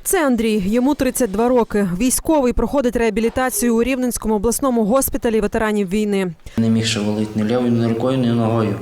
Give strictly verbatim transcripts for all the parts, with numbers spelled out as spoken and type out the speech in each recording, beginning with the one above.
Це Андрій, йому тридцять два роки. Військовий, проходить реабілітацію у Рівненському обласному госпіталі ветеранів війни. Не міг шевелити ні лівою, ні рукою, ні ногою.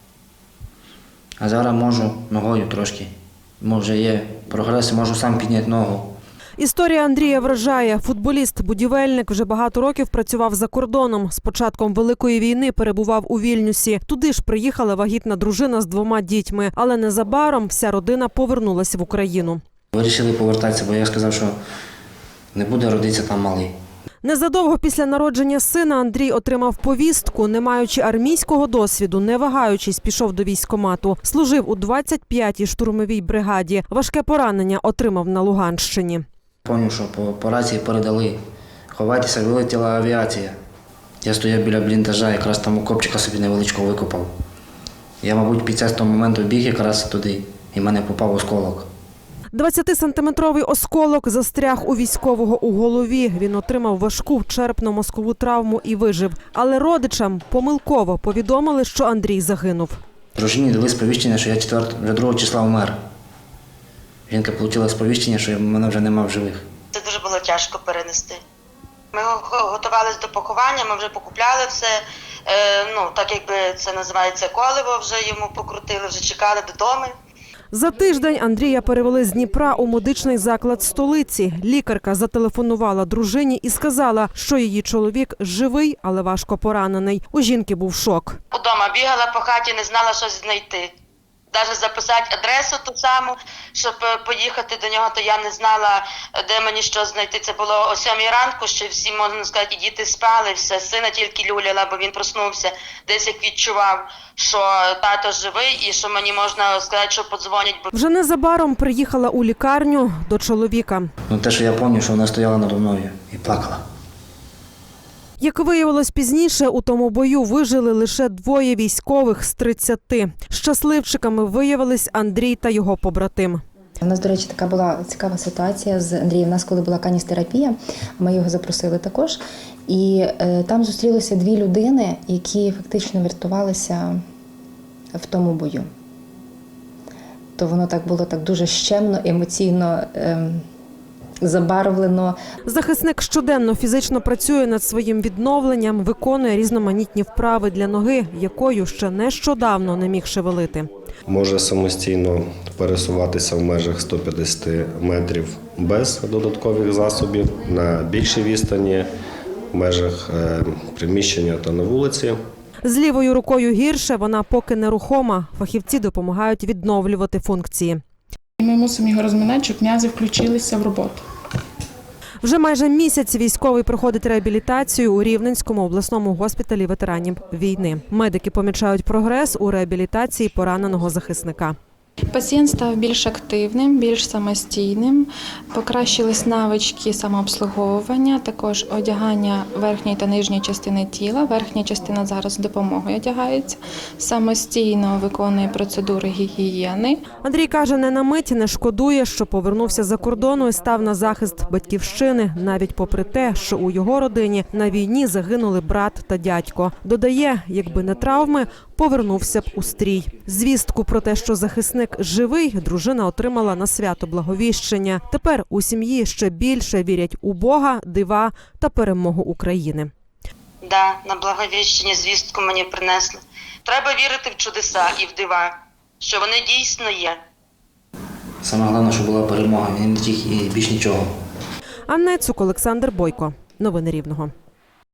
А зараз можу ногою трошки. Може є прогрес, можу сам підняти ногу. Історія Андрія вражає. Футболіст-будівельник вже багато років працював за кордоном. З початком Великої війни перебував у Вільнюсі. Туди ж приїхала вагітна дружина з двома дітьми. Але незабаром вся родина повернулася в Україну. Вирішили повертатися, бо я сказав, що не буде родитися там малий. Незадовго після народження сина Андрій отримав повістку. Не маючи армійського досвіду, не вагаючись, пішов до військкомату. Служив у двадцять п'ятій штурмовій бригаді. Важке поранення отримав на Луганщині. Пам'ятаю, що по, по рації передали. Ховайтеся, вилетіла авіація. Я стояв біля бліндажа, якраз там окопчика собі невеличкого викопав. Я, мабуть, під час того моменту біг якраз туди, і в мене попав осколок. двадцятисантиметровий осколок застряг у військового у голові. Він отримав важку черепно-мозкову травму і вижив. Але родичам помилково повідомили, що Андрій загинув. Дружині дали сповіщення, що я четвертого, вже другого числа вмер. Жінка отримала сповіщення, що мене вже нема в живих. Це дуже було тяжко перенести. Ми готувалися до поховання, ми вже покупляли все, ну так якби це називається коливо, вже йому покрутили, вже чекали додому. За тиждень Андрія перевели з Дніпра у медичний заклад столиці. Лікарка зателефонувала дружині і сказала, що її чоловік живий, але важко поранений. У жінки був шок. Удома бігала по хаті, не знала, що знайти. Навіть записати адресу ту саму, щоб поїхати до нього, то я не знала, де мені що знайти. Це було о сьомій ранку, що всі, можна сказати, і діти спали, все, сина тільки люляла, бо він проснувся, десь як відчував, що тато живий і що мені можна сказати, що подзвонять. Вже незабаром приїхала у лікарню до чоловіка. Ну, те, що я пам'ятаю, що вона стояла надо мною і плакала. Як виявилось пізніше, у тому бою вижили лише двоє військових з тридцяти. Щасливчиками виявились Андрій та його побратим. У нас, до речі, така була цікава ситуація з Андрієм. У нас, коли була каністерапія, ми його запросили також. І е, там зустрілися дві людини, які фактично врятувалися в тому бою. То воно так було так дуже щемно, емоційно е, забарвлено. Захисник щоденно фізично працює над своїм відновленням, виконує різноманітні вправи для ноги, якою ще нещодавно не міг шевелити. Може самостійно пересуватися в межах ста п'ятдесяти метрів без додаткових засобів, на більшій відстані, в межах приміщення та на вулиці. З лівою рукою гірше, вона поки нерухома. Фахівці допомагають відновлювати функції. Ми мусимо його розминати, щоб м'язи включилися в роботу. Вже майже місяць військовий проходить реабілітацію у Рівненському обласному госпіталі ветеранів війни. Медики помічають прогрес у реабілітації пораненого захисника. Пацієнт став більш активним, більш самостійним, покращились навички самообслуговування, також одягання верхньої та нижньої частини тіла. Верхня частина зараз з допомогою одягається, самостійно виконує процедури гігієни. Андрій каже, не на мить не шкодує, що повернувся за кордону і став на захист батьківщини, навіть попри те, що у його родині на війні загинули брат та дядько. Додає, якби не травми, повернувся б у стрій. Звістку про те, що захисник живий, дружина отримала на свято Благовіщення. Тепер у сім'ї ще більше вірять у Бога, дива та перемогу України. Да, на Благовіщення звістку мені принесли. Треба вірити в чудеса і в дива, що вони дійсно є. Саме головне, що була перемога, і не тільки, і більш нічого. Анна Цук, Олександр Бойко. Новини Рівного.